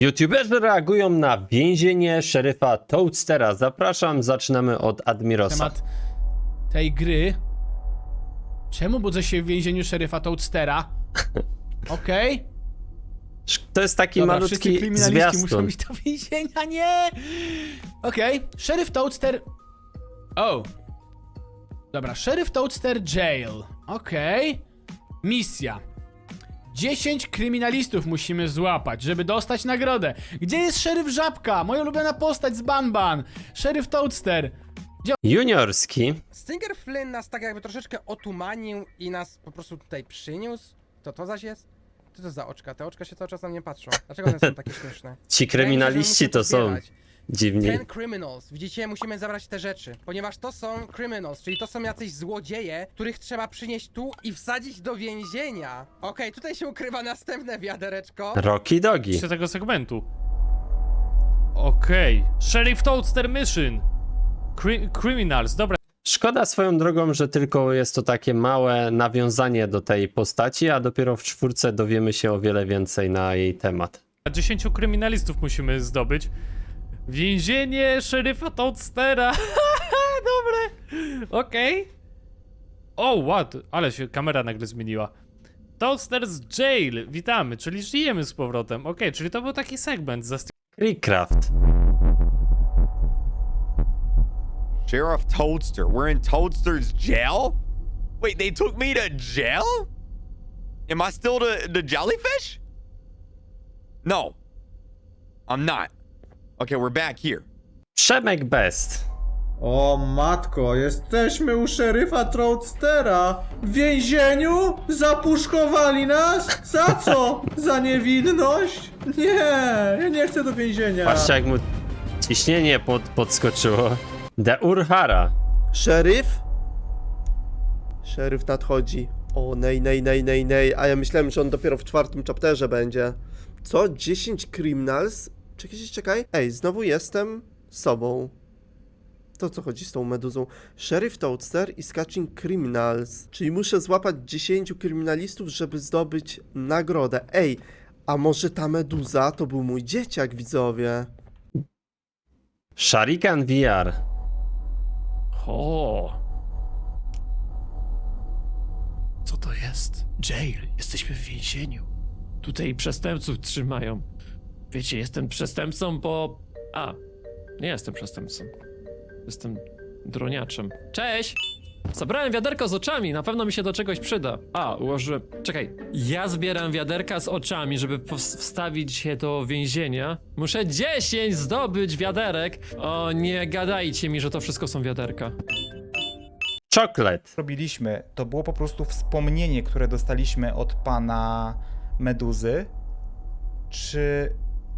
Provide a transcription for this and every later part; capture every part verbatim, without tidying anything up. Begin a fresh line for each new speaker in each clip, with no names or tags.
YouTuberzy reagują na więzienie szeryfa Toadstera. Zapraszam, zaczynamy od Admirosa.
Temat tej gry. Czemu budzę się w więzieniu szeryfa Toadstera? Okej. Okay.
To jest taki
Dobra, wszyscy
malutki
kryminaliści muszą
zwiastun.
iść do więzienia, nie! Okej, okay. Szeryf Toadster... O! Dobra, szeryf Toadster Jail. Okej. Okay. Misja. dziesięć kryminalistów musimy złapać, żeby dostać nagrodę. Gdzie jest szeryf Żabka? Moja ulubiona postać z Banban. Szeryf Toadster.
Juniorski.
Stinger Flynn nas tak jakby troszeczkę otumanił i nas po prostu tutaj przyniósł. To to zaś jest? Co to za oczka? Te oczka się cały czas na mnie patrzą. Dlaczego one są takie śmieszne?
Ci kryminaliści to są dziwni.
Ten criminals. Widzicie, musimy zabrać te rzeczy, ponieważ to są criminals, czyli to są jacyś złodzieje, których trzeba przynieść tu i wsadzić do więzienia. Okej, okay, tutaj się ukrywa następne wiadereczko.
Rocky Dogi.
Z tego segmentu. Okej. Okay. Sheriff Toadster Mission. Cri criminals, dobra.
Szkoda swoją drogą, że tylko jest to takie małe nawiązanie do tej postaci, a dopiero w czwórce dowiemy się o wiele więcej na jej temat.
dziesięciu kryminalistów musimy zdobyć. Więzienie szeryfa Toadstera. Dobre. Okej. Okay. O, what? Ale się kamera nagle zmieniła. Toadster's Jail. Witamy, czyli żyjemy z powrotem. Okej, okay, czyli to był taki segment za
Creecraft.
Sheriff Toadster, we're in Toadster's jail? Wait, they took me to jail? Am I still the, the jellyfish? No, I'm not. Okay, we're back here.
Przemek Best.
O matko, jesteśmy u szeryfa Toadstera. W więzieniu? Zapuszkowali nas? Za co? Za niewinność? Nie, ja nie chcę do więzienia.
Patrzcie, jak mu ciśnienie pod, podskoczyło. The Urhara.
Szeryf? Szeryf nadchodzi. O, nej, nej, nej, nej, nej. A ja myślałem, że on dopiero w czwartym chapterze będzie. Co? dziesięć criminals? Czekaj, czekaj. Ej, znowu jestem sobą. To co chodzi z tą meduzą? Sheriff Toadster is catching criminals. Czyli muszę złapać dziesięciu kryminalistów, żeby zdobyć nagrodę. Ej, a może ta meduza to był mój dzieciak, widzowie?
Sharikan V R.
O. Co to jest? Jail. Jesteśmy w więzieniu. Tutaj przestępców trzymają. Wiecie, jestem przestępcą, bo... A, nie jestem przestępcą. Jestem droniaczem. Cześć! Zabrałem wiaderko z oczami, na pewno mi się do czegoś przyda. A, ułożyłem... Czekaj, ja zbieram wiaderka z oczami, żeby wstawić się do więzienia. Muszę dziesięć zdobyć wiaderek. O, nie gadajcie mi, że to wszystko są wiaderka.
Chocolate.
robiliśmy, to było po prostu wspomnienie, które dostaliśmy od pana Meduzy. Czy...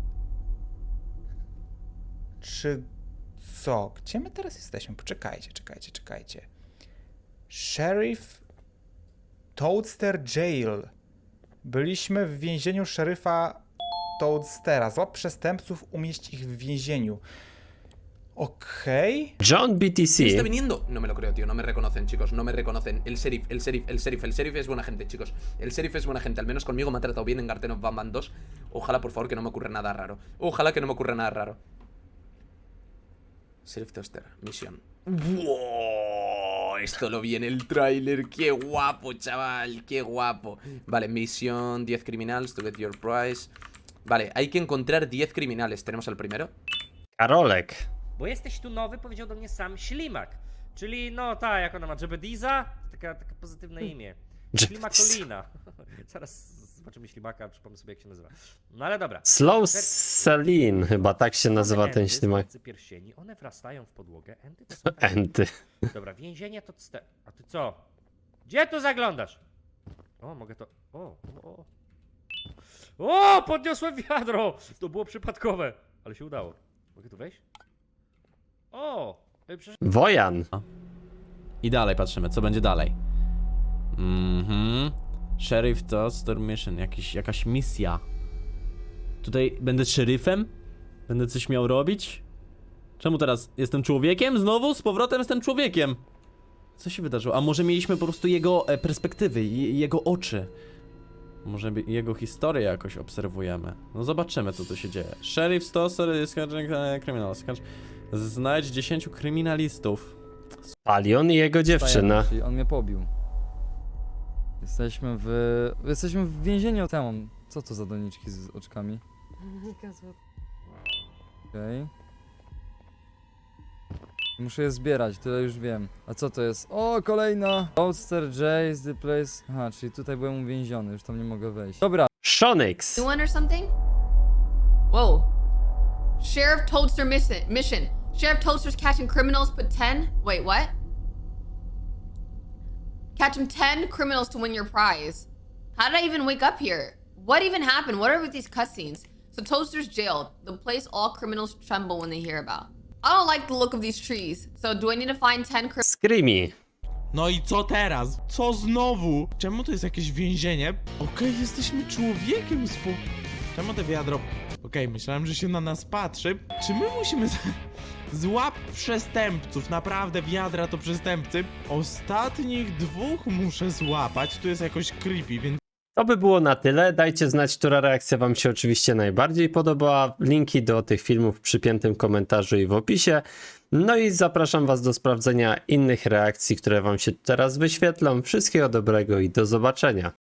Czy... Co? Gdzie my teraz jesteśmy? Poczekajcie, czekajcie, czekajcie. Sheriff Toadster Jail. Byliśmy w więzieniu szeryfa Toadstera. Złap przestępców, umieść ich w więzieniu. Okej. Okay.
John B T C.
¿Está viniendo? No me lo creo, tío. No me reconocen, chicos. No me reconocen. El sheriff, el sheriff, el sheriff, el sheriff es buena gente, chicos. El sheriff es buena gente. Al menos conmigo me ha tratado bien en Garten of Banban dos. Ojalá, por favor, que no me ocurra nada raro. Ojalá que no me ocurra nada raro. Sheriff Toaster, misión. ¡Wow! Esto lo vi en el tráiler. ¡Qué guapo, chaval! ¡Qué guapo! Vale, misión diez criminals to get your prize. Vale, hay que encontrar diez criminales. ¿Tenemos al primero?
Karolek.
Bo jesteś tu nowy, powiedział do mnie sam Ślimak. Czyli no ta, jak ona ma, Jebediza? Taka, takie pozytywne imię. Ślimakolina. Zaraz zobaczymy Ślimaka, przypomnę sobie, jak się nazywa. No ale dobra.
Slow Celine, chyba tak się nazywa ten ślimak.
Pierścieni, one wrastają w podłogę. Enty to są
Enty.
Dobra, więzienie to... A ty co? Gdzie tu zaglądasz? O, mogę to... O, o, o! O, podniosłem wiadro! To było przypadkowe, ale się udało. Mogę tu wejść? O! Przecież...
Wojan.
I dalej patrzymy, co będzie dalej. Mhm. Sheriff Toadster Mission, jakiś, jakaś misja. Tutaj będę szeryfem? Będę coś miał robić? Czemu teraz jestem człowiekiem? Znowu? Z powrotem jestem człowiekiem. Co się wydarzyło? A może mieliśmy po prostu jego e, perspektywy, je, jego oczy. Może by- jego historię jakoś obserwujemy. No zobaczymy, co tu się dzieje. Sheriff Toaster is criminals. Znajdź dziesięciu kryminalistów.
Palion i jego dziewczyna.
Czyli on mnie pobił. Jesteśmy w... Jesteśmy w więzieniu temu. Co to za doniczki z oczkami? Okej. Muszę je zbierać, tyle już wiem. A co to jest? O, kolejna! Toadster J is the place... Aha, czyli tutaj byłem uwięziony, już tam nie mogę wejść. Dobra.
Shonix.
New one or something? Whoa. Sheriff Toadster mission. Mission. Sheriff Toadster's catching criminals, put ten. Wait, what? Catch him ten criminals to win your prize. How did I even wake up here? What even happened? What are with these cutscenes? So Toadster's jailed, the place all criminals tremble when they hear about. I don't like the look of these trees. So do I need to find ten criminals?
Screamy.
No i co teraz? Co znowu? Czemu to jest jakieś więzienie? Okej, jesteśmy człowiekiem spo... Czemu te wiadro... Okej, myślałem, że się na nas patrzy. Czy my musimy... z- Złap przestępców, naprawdę wiadra to przestępcy. Ostatnich dwóch muszę złapać, tu jest jakoś creepy, więc...
To by było na tyle. Dajcie znać, która reakcja wam się oczywiście najbardziej podobała. Linki do tych filmów w przypiętym komentarzu i w opisie. No i zapraszam was do sprawdzenia innych reakcji, które wam się teraz wyświetlą. Wszystkiego dobrego i do zobaczenia.